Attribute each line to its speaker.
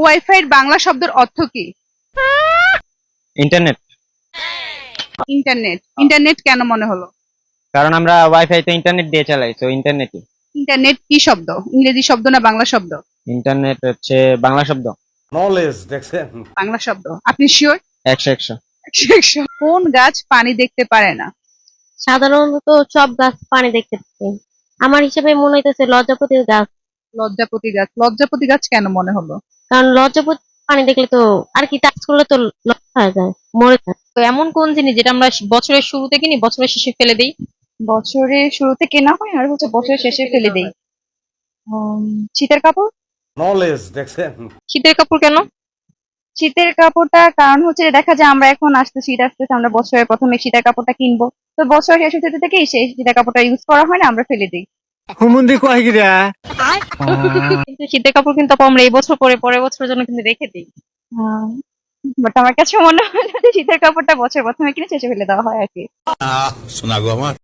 Speaker 1: Wifi এর বাংলা শব্দের অর্থ কি?
Speaker 2: ইন্টারনেট।
Speaker 1: ইন্টারনেট। ইন্টারনেট কেন মনে হলো?
Speaker 2: কারণ আমরা ওয়াইফাই তো ইন্টারনেট দিয়ে চালাই, তো ইন্টারনেটই।
Speaker 1: ইন্টারনেট কি শব্দ? ইংরেজি শব্দ না বাংলা শব্দ?
Speaker 2: ইন্টারনেট হচ্ছে বাংলা শব্দ।
Speaker 3: নলেজ দেখছেন।
Speaker 1: বাংলা শব্দ। আপনি শিওর?
Speaker 2: 100 100।
Speaker 1: কোন গাছ পানি দেখতে পারে না?
Speaker 4: সাধারণত সব গাছ পানি দেখতে পায়। আমার হিসেবে মনে হইতেছে লজ্জাপতির গাছ।
Speaker 1: লজ্জাপতি গাছ। লজ্জাপতি গাছ কেন মনে হলো?
Speaker 4: কারণ লজ্জাপতি পানি দেখলে তো আর কি টাচ করলে তো লজ্জা হয়ে যায়, মরে যায়।
Speaker 5: তো এমন কোন জিনিস যেটা আমরা বছরের শুরুতে কিনি, বছরের শেষে ফেলে দেই?
Speaker 1: বছরের শুরুতে কেনা হয় আর বছরের শেষে ফেলে দেই। শীতের কাপড়।
Speaker 3: নলেজ দেখছেন।
Speaker 5: শীতের কাপড় কেন?
Speaker 1: শীতের কাপড়টা কারণ হচ্ছে দেখা যায় আমরা এখন শীত আসতেছে, আমরা বছরের প্রথমে শীতের কাপড়টা কিনবো, তো বছর শেষ হতে থেকেই সেই শীতের কাপড়টা ইউজ করা হয় না, আমরা ফেলে দিই।
Speaker 6: হুমুন্দি কয় গিরা
Speaker 5: কিন্তু শীতের কাপড় কিন্তু আপু আমরা এই বছর পরে পরের বছরের জন্য কিন্তু রেখে দিই।
Speaker 1: বাট আমার কাছে মনে হয় যে শীতের কাপড়টা বছর প্রথমে কিনে শেষে ফেলে দেওয়া হয় আর কি।
Speaker 7: শোনা গো আমার।